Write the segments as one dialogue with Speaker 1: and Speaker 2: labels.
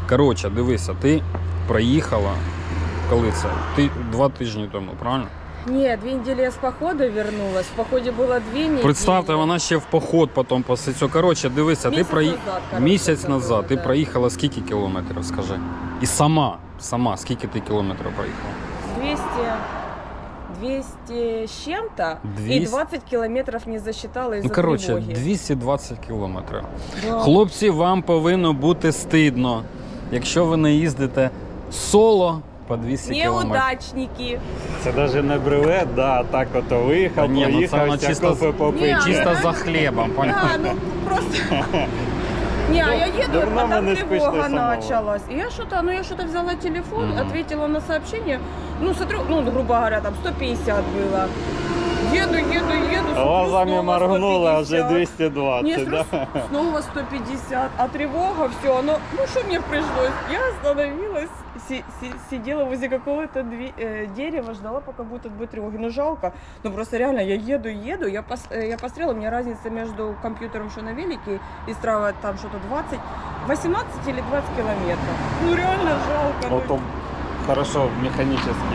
Speaker 1: Коротше, дивися, ти проїхала, коли це? 2 тижні тому, правильно?
Speaker 2: Нет, 2 недели я с похода вернулась. В походе было 2 недели.
Speaker 1: Представте, вона ще в поход потім після цього. Коротше, дивися,
Speaker 2: Місяць
Speaker 1: ти
Speaker 2: назад, коротше,
Speaker 1: місяць
Speaker 2: це
Speaker 1: назад
Speaker 2: було,
Speaker 1: ти
Speaker 2: да.
Speaker 1: проїхала скільки кілометрів, скажи? І сама, скільки ти кілометрів проїхала?
Speaker 2: 200 с чем-то.
Speaker 1: 200?
Speaker 2: И 20 километров не засчитала из-за
Speaker 1: Ну, коротше,
Speaker 2: тревоги.
Speaker 1: 220 кілометрів.
Speaker 2: Да.
Speaker 1: Хлопці, вам повинно бути стидно, якщо ви не їздите соло по 200 кілометрів.
Speaker 2: Неудачники.
Speaker 3: Це навіть не бревет, да, так ото виїхав,
Speaker 1: Та ні, ну це воно
Speaker 3: проїхався,
Speaker 1: чисто-
Speaker 3: кофе попив.
Speaker 2: Ні,
Speaker 1: Чисто за хлібом, понял?
Speaker 2: Да, ну просто... Не, а я еду,
Speaker 3: давно
Speaker 2: а там
Speaker 3: мы не
Speaker 2: тревога
Speaker 3: скучно самого.
Speaker 2: началась. И я что-то взяла телефон,
Speaker 1: Мгм.
Speaker 2: ответила на сообщение. Ну, смотрю, ну, грубо говоря, там 150 было. Еду, смотрю,
Speaker 3: Глазами
Speaker 2: снова
Speaker 3: моргнула, а
Speaker 2: 150.
Speaker 3: вже 220,
Speaker 2: Не,
Speaker 3: да?
Speaker 2: снова 150, а тревога, все, оно, ну что мне пришлось? Я остановилась, сидела возле какого-то дерева, ждала, пока будет отбой тревоги. Ну жалко, ну просто реально, я еду, я посмотрела, у меня разница между компьютером, что на велике, и Strava там что-то 18 или 20 километров. Ну реально жалко. ну.
Speaker 3: Ото хорошо, механічні.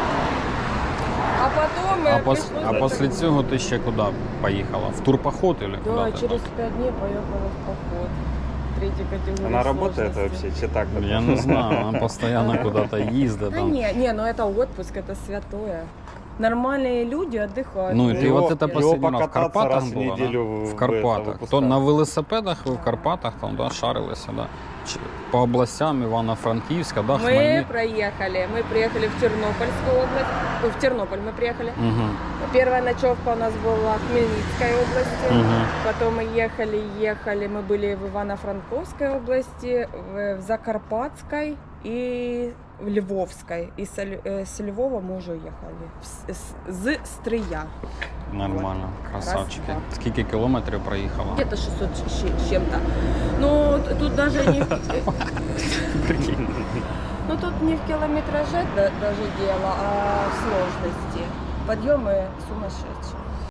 Speaker 2: А потом пришлось...
Speaker 1: Після цього ти ще куди поїхала? В турпоход или
Speaker 2: Да,
Speaker 1: куди ти
Speaker 2: через
Speaker 1: там?
Speaker 2: 5 дней поехала в поход. 3-й категории
Speaker 3: Вона працює
Speaker 2: сложности.
Speaker 3: взагалі, чи так?
Speaker 1: Я не знаю, вона постійно куди-то їздить.
Speaker 2: Да
Speaker 1: Там.
Speaker 2: не, ну это отпуск, это святое. Нормальные люди отдыхают.
Speaker 1: Ну, і ти
Speaker 3: Його-
Speaker 1: от це
Speaker 3: його
Speaker 1: последній раз в
Speaker 3: покататися
Speaker 1: Карпатах
Speaker 3: раз в
Speaker 1: була,
Speaker 3: неділю
Speaker 1: да? В
Speaker 3: в
Speaker 1: Карпатах.
Speaker 3: випускають.
Speaker 1: То на велосипедах ви в Карпатах там, да, шарилися, да? По областям Івано-Франківська, да,
Speaker 2: Мы
Speaker 1: Хмельницька.
Speaker 2: мы приехали в Тернопольскую область, в Тернополь мы приехали.
Speaker 1: Угу.
Speaker 2: Первая ночевка у нас была в Хмельницкой области,
Speaker 1: Угу.
Speaker 2: потом мы ехали, мы были в Ивано-Франковской области, в Закарпатской и в Львовской. И с Львова мы уже уехали, з Стрия.
Speaker 1: Нормально, красавчики.
Speaker 2: Раз,
Speaker 1: Скільки кілометрів проїхала?
Speaker 2: Где-то 600 с чем-то. Ну, тут даже не...
Speaker 1: Прикинь.
Speaker 2: Ну, тут не в километраже даже дело, а в сложности. Подъемы сумасшедшие.